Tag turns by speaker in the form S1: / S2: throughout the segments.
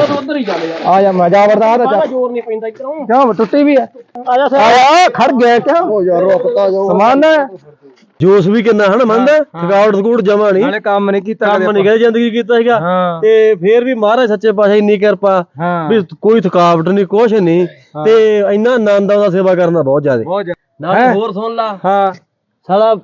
S1: तो उधर ही चल यार।
S2: आ जा मजा बर्दाश्त है
S1: जोर नहीं पैंदा इधरों।
S2: क्या टुट्टी भी है आया खड़ गया क्या हो यार रुकता जाओ समान है
S3: ਜੋਸ਼ ਵੀ ਕਿੰਨਾ ਹਨ ਮੰਨਦਾ ਥਕਾਵਟ ਥਕੂਟ ਜਮਾ ਨਹੀਂ
S2: ਨਾਲੇ ਕੰਮ ਨਹੀਂ ਕੀਤਾ
S3: ਕੰਮ ਨਹੀਂ ਕਦੇ ਜ਼ਿੰਦਗੀ ਕੀਤਾ ਸੀਗਾ ਤੇ ਫੇਰ ਵੀ ਮਹਾਰਾਜ ਸੱਚੇ ਪਾਤਸ਼ਾਹ ਇੰਨੀ ਕਿਰਪਾ ਵੀ ਕੋਈ ਥਕਾਵਟ ਨਹੀਂ ਕੁਛ ਨਹੀਂ ਤੇ ਇੰਨਾ ਆਨੰਦ ਆਉਂਦਾ ਸੇਵਾ ਕਰਨਾ ਬਹੁਤ ਜ਼ਿਆਦਾ ਨਾਲ ਹੋਰ ਸੁਣ ਲਾ
S2: ਹਾਂ
S3: ਸਾਲਾ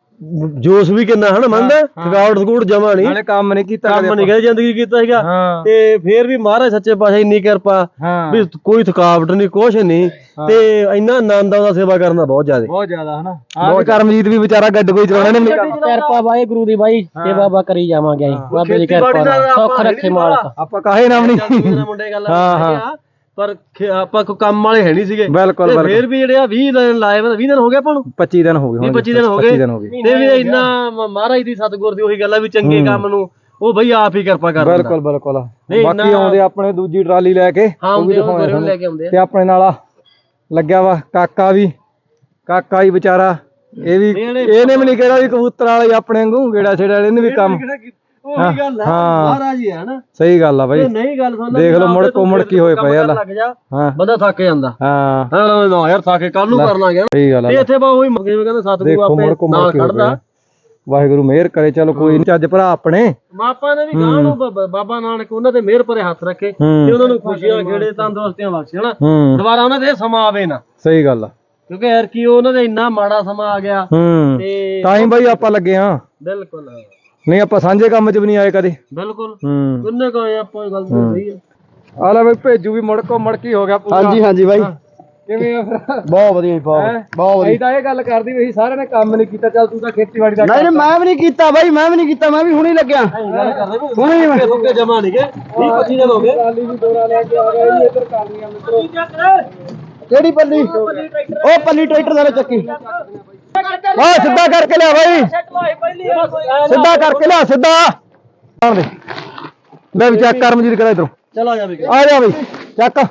S3: ਜੋਸ਼ ਵੀ ਕਿੰਨਾ ਹਨ ਮੰਨਦਾ ਥਕਾਵਟ ਥਕੂਟ ਜਮਾ ਨਹੀਂ
S2: ਨਾਲੇ ਕੰਮ ਨਹੀਂ ਕੀਤਾ
S3: ਕੰਮ ਨਹੀਂ ਕਦੇ ਜ਼ਿੰਦਗੀ ਕੀਤਾ ਸੀਗਾ ਤੇ ਫੇਰ ਵੀ ਮਹਾਰਾਜ ਸੱਚੇ ਪਾਤਸ਼ਾਹ ਇੰਨੀ ਕਿਰਪਾ ਵੀ ਕੋਈ ਥਕਾਵਟ ਨਹੀਂ ਕੁਛ ਨਹੀਂ ਤੇ ਇੰਨਾ ਆਨੰਦ ਆਉਂਦਾ ਸੇਵਾ ਕਰਨਾ ਬਹੁਤ ਜ਼ਿਆਦਾ
S2: ਹਨਾ ਆਹ ਕਰਮਜੀਤ ਵੀ ਵਿਚਾਰਾ ਗੱਡ ਕੋਈ ਚਲਾਉਣਾ ਨਹੀਂ
S1: ਕਿਰਪਾ ਵਾਹਿਗੁਰੂ ਦੀ ਬਾਈ ਸੇਵਾ ਬਾ ਕਰੀ ਜਾਵਾਂਗੇ ਬਾਬੇ ਦੀ ਕਿਰਪਾ ਨਾਲ ਸੁੱਖ ਰੱਖੇ ਮਾਲਕ
S2: ਆਪਾਂ ਕਾਹੇ ਨਾਮ ਨਹੀਂ
S3: ਮੁੰਡੇ ਗੱਲ ਹਾਂ ਪਰ ਆਪਾਂ ਕੋ ਕੰਮ ਵਾਲੇ ਹੈ ਨਹੀਂ ਸੀਗੇ
S2: ਬਿਲਕੁਲ
S3: ਫੇਰ ਵੀ ਜਿਹੜੇ ਆ 20 ਦਿਨ ਲਾਏ 20 ਦਿਨ ਹੋ ਗਏ ਆਪਾਂ ਨੂੰ
S2: 25 ਦਿਨ ਹੋ ਗਏ
S3: 25 ਦਿਨ ਹੋ ਗਏ ਤੇ ਵੀ ਇੰਨਾ ਮਹਾਰਾਜ ਦੀ ਸਤਿਗੁਰ ਦੀ ਉਹੀ ਗੱਲ ਆ ਵੀ ਚੰਗੇ ਕੰਮ ਨੂੰ ਉਹ ਬਈ ਆਪ ਹੀ ਕਿਰਪਾ ਕਰਦਾ
S2: ਬਿਲਕੁਲ ਬਾਕੀ ਆਉਂਦੇ ਆਪਣੇ ਦੂਜੀ ਟਰਾਲੀ ਲੈ ਕੇ
S1: ਉਹ ਵੀ ਦਿਖਾਉਣੇ ਲੈ ਕੇ ਆਉਂਦੇ
S2: ਤੇ ਆਪਣੇ ਨਾਲ ਲੱਗਿਆ ਵਾ ਕਾਕਾ ਵੀ ਵਿਚਾਰਾ ਇਹ ਵੀ ਇਹਨੇ ਵੀ ਨਹੀਂ ਕਿਹੜਾ ਵੀ ਕਬੂਤਰ ਵਾਲੇ ਆਪਣੇ ਵਾਂਗੂ ਗੇੜਾ ਛੇੜਾ ਵਾਲੇ ਨੇ ਵੀ ਕੰਮ
S3: ਉਹੀ ਗੱਲ ਆ ਮਹਾਰਾਜ ਹੀ ਹੈ ਨਾ
S2: ਸਹੀ ਗੱਲ ਆ ਬਾਈ
S3: ਨਹੀਂ ਗੱਲ ਸੁਣ
S2: ਦੇਖ ਲਓ ਮੁੜ ਕੀ ਹੋਏ ਪਏ ਆ
S3: ਹਾਂ ਬੰਦਾ ਥੱਕ ਜਾਂਦਾ ਹਾਂ ਨਾ ਯਾਰ ਥੱਕ ਕੇ ਕੱਲ ਨੂੰ ਕਰ ਲਾਂਗੇ
S2: ਸਹੀ ਗੱਲ ਆ
S3: ਤੇ ਇੱਥੇ ਬਾ ਉਹੀ ਮੰਗੇ ਕਹਿੰਦੇ ਸਤਿਗੁਰੂ ਆਪੇ ਨਾਲ ਖੜਦਾ
S2: ਵਾਹਿਗੁਰੂ ਮਿਹਰ ਕਰੇ ਚਲੋ ਕੋਈ ਨਹੀਂ ਚੱਜ ਭਰਾ ਆਪਣੇ
S3: ਮਾਪਾ ਨੇ ਵੀ ਗਾਂ ਨੂੰ ਬਾਬਾ ਨਾਨਕ ਉਹਨਾਂ ਤੇ ਮਿਹਰ ਭਰੇ ਹੱਥ ਰੱਖੇ ਤੇ ਉਹਨਾਂ ਨੂੰ ਖੁਸ਼ੀਆਂ ਖੇੜੇ ਤੰਦਰੁਸਤੀਆਂ ਬਖਸ਼ੇ ਹਨਾ ਦੁਬਾਰਾ ਉਹਨਾਂ ਦੇ ਸਮਾਂ ਆਵੇ ਨਾ
S2: ਸਹੀ ਗੱਲ ਆ
S3: ਕਿਉਂਕਿ ਯਾਰ ਕੀ ਉਹਨਾਂ ਦੇ ਇੰਨਾ ਮਾੜਾ ਸਮਾਂ ਆ ਗਿਆ
S2: ਤੇ ਤਾਂ ਹੀ ਬਾਈ ਆਪਾਂ ਲੱਗੇ ਆ
S3: ਬਿਲਕੁਲ
S2: ਨਹੀਂ ਆਪਾਂ ਸਾਂਝੇ ਕੰਮ 'ਚ ਵੀ ਨਹੀਂ ਆਏ ਕਦੇ
S3: ਬਿਲਕੁਲ ਕਿੰਨੇ ਕਹੇ ਆਪਾਂ ਗੱਲ ਸਹੀ ਹੈ
S2: ਆ ਲੈ ਬਈ ਭੇਜੂ ਵੀ ਮੁੜਕੀ ਹੋ ਗਿਆ ਪੂਰਾ
S3: ਹਾਂਜੀ ਬਾਈ
S2: ਕਿਵੇਂ ਆ
S3: ਬਹੁਤ ਵਧੀਆ ਬਹੁਤ
S2: ਵਧੀਆ ਤਾਂ ਇਹ ਗੱਲ ਕਰਦੀ ਵੀ ਸਾਰਿਆਂ ਨੇ ਕੰਮ ਨਹੀਂ ਕੀਤਾ ਚੱਲ ਤੂੰ ਤਾਂ ਖੇਤੀਬਾੜੀ ਦਾ
S3: ਨਹੀਂ ਮੈਂ ਵੀ ਨਹੀਂ ਕੀਤਾ ਬਾਈ ਮੈਂ ਵੀ ਹੁਣੇ ਲੱਗਿਆ ਹੁਣੇ ਮੈਂ ਸੁੱਕੇ ਜਮਾ ਨਹੀਂ ਗਏ 20-25 ਦਿਨ ਹੋ ਗਏ
S2: ਟਰਾਲੀ ਵੀ ਦੋਰਾ ਲੈ ਕੇ ਆ ਗਏ ਇੱਧਰ ਕਰਨੀਆਂ ਮਿੱਤਰੋ
S3: ਕਿਹੜੀ ਪੱਲੀ ਉਹ ਪੱਲੀ ਟਰੈਕਟਰ ਦਾ ਚੱਕੀ
S2: ਸਿੱਧਾ ਕਰਕੇ ਲਿਆ ਬਾਈ ਸਿੱਧਾ ਕਰਕੇ ਲਿਆ ਸਿੱਧਾ ਲੈ ਵੀ ਚੱਕ ਕਰਮਜੀਤ ਕਰਾ ਇਧਰੋਂ
S3: ਚਲੋ
S2: ਆ ਜਾ ਬਈ ਚੱਕ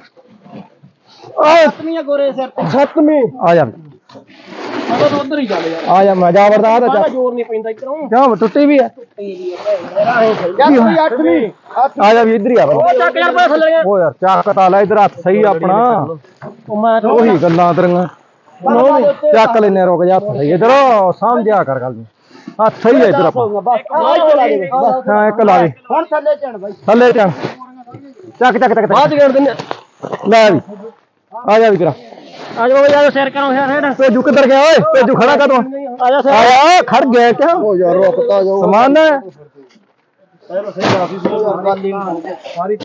S1: ਸੱਤਵੀਂ ਗੋਰੇ ਸਿਰ ਤੇ
S2: ਸੱਤਵੀਂ ਆ ਜਾ
S1: ਤਾਂ ਉਧਰ ਹੀ ਚੱਲ ਯਾਰ
S2: ਆ ਜਾ ਮਜ਼ਾ ਬਰਦਾਸ਼ਤ ਹੈ
S1: ਜੋਰ ਨਹੀਂ ਪੈਂਦਾ ਇਧਰੋਂ
S2: ਕਿਉਂ ਟੁੱਟੀ ਵੀ ਹੈ ਆ ਜਾ ਵੀ ਇੱਧਰ ਹੀ ਆ
S1: ਉਹ ਚੱਕ ਯਾਰ ਪਾ ਥੱਲੇ
S2: ਉਹ ਯਾਰ ਚੱਕ ਤਾਂ ਲੈ ਇਧਰ ਹੱਥ ਸਹੀ ਆਪਣਾ
S1: ਮੈਂ
S2: ਉਹੀ ਗੱਲਾਂ ਤੇਰੀਆਂ ਚੱਕ ਲੈਨੇ ਰੁਕ ਜਾ ਹੱਥ ਸਹੀ ਇਧਰ ਸਮਝਿਆ ਕਰ ਗੱਲ ਹੱਥ ਸਹੀ ਹੈ ਇਧਰ ਆਪਾਂ ਹਾਂ ਇੱਕ ਲਾ ਦੇ
S1: ਹੁਣ ਥੱਲੇ ਚੜ ਬਾਈ
S2: ਥੱਲੇ ਚੜ ਚੱਕ
S3: ਬਾਅਦ ਗੇੜ ਦਿੰਨੇ
S2: ਲੈ ਵੀ ਆ ਜਾ ਵੀ ਕਰਾ
S1: ਆ ਜਾਓ ਯਾਰ ਸਿਰ ਕਰੋ ਯਾਰ
S2: ਭੇਜੂ ਕਿੱਧਰ ਗਿਆ ਓਏ ਭੇਜੂ ਖੜਾ ਕਾ ਤੂੰ
S1: ਆ ਜਾ
S2: ਆਇਆ ਖੜ ਗਿਆ ਕਿਆ ਹੋ ਯਾਰ ਰੁਕਤਾ ਜਾਓ ਸਮਾਨ ਹੈ
S1: ਸਹੀ ਕਾਫੀ ਸਾਰੀ